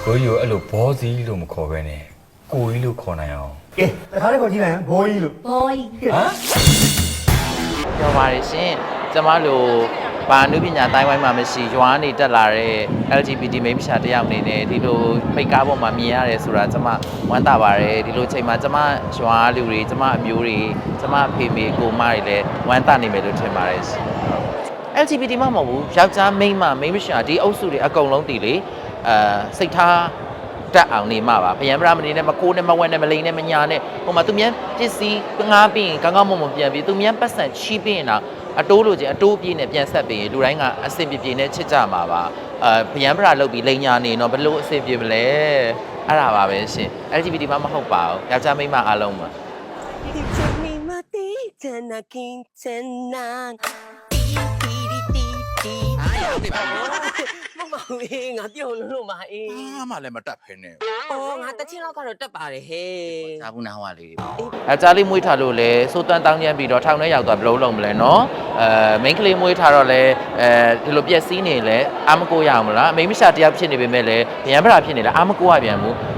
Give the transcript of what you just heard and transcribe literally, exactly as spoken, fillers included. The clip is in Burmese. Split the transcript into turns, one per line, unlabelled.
ကိုကြီးကိုအဲ့လိုဘောစီလို့မခေါ်ပဲနဲ့ကိုကြီးလို့ခေါ်နိုင်အောင်
ကဲတခါလေးခေါ်ကြည့်လိုက်ဘိုးကြီးလို့
boy
ဟမ်
ပြောပါရရှင်ကျမတို့ဘာနုပညာတိုင်းဝိုင်းမှာမရှိရွာနေတက်လာတဲ့ L G B T မိန်းမရှာတယောက်အနေနဲ့ဒီလိုမိတ်ကားပေါ်မှာမြင်ရတယ်ဆိုတာကျမဝမ်းသာပါတယ်ဒီလိုချိန်မှာကျမရွာလူတွေကျမအမျိုးတွေကျမအဖေမေကိုမတွေလည်းဝမ်းသာနေမယ်လို့ထင်ပါတယ်ရှင် L G B T မှမဟုတ်ဘူးယောက်ျားမိန်းမမိန်းမရှာဒီအုပ်စုတွေအကုန်လုံးတည်လေအဲစိတ်ထားတက်အောင်နေမှာပါဗျံပရာမနေနဲ့မကိုးနဲ့မဝက်နဲ့မလိန်နဲ့မညာနဲ့ဟိုမှာသူမြန်ပစ္စည်းငားပြီးရင်ကောင်းကောင်းမွန်မွန်ပြန်ပြီးသူမြန်ပတ်စံချီးပြီးရင်တော့အတိုးလိုချင်အတိုးပြေးနဲ့ပြန်ဆက်ပြီးရင်လူတိုင်းကအဆင်ပြေပြေနဲ့ချစ်ကြမှာပါအဲဗျံပရာလုပ်ပြီးလိန်ညာနေတော့ဘလို့အဆင်ပြေမလဲအဲ့ဒါပါပဲရှင် L G B T မှမဟုတ်ပါဘူးယောက်ျားမိန်းမအားလုံးပါ
ဒီချက်မီမတီချန်နာကင်းချန်နာတီတီတီတီအားရနေပါဘောမမအေးငါပြုံလို့လို့မအေး
အားမှလည်းမတက်ဖ ೇನೆ
အော်ငါတချင်းလောက်ကတော့တက်ပါတယ်ဟဲ့
ဒါဘူးနာဟွာလေးအဲကြားလေးမွေးထားလို့လဲစိုးတန်းတောင်းကျမ်းပြီးတော့ထောင်ထဲရောက်သွားဘလို့လုံးမလဲနော်အဲမိန်းကလေးမွေးထားတော့လဲအဲဒီလိုပြက်စီးနေလဲအာမကိုရအောင်မလားမိန်းမရှာတယောက်ဖြစ်နေပေမဲ့လဲဗျံပရာဖြစ်နေလဲအာမကိုရပြန်ဘူး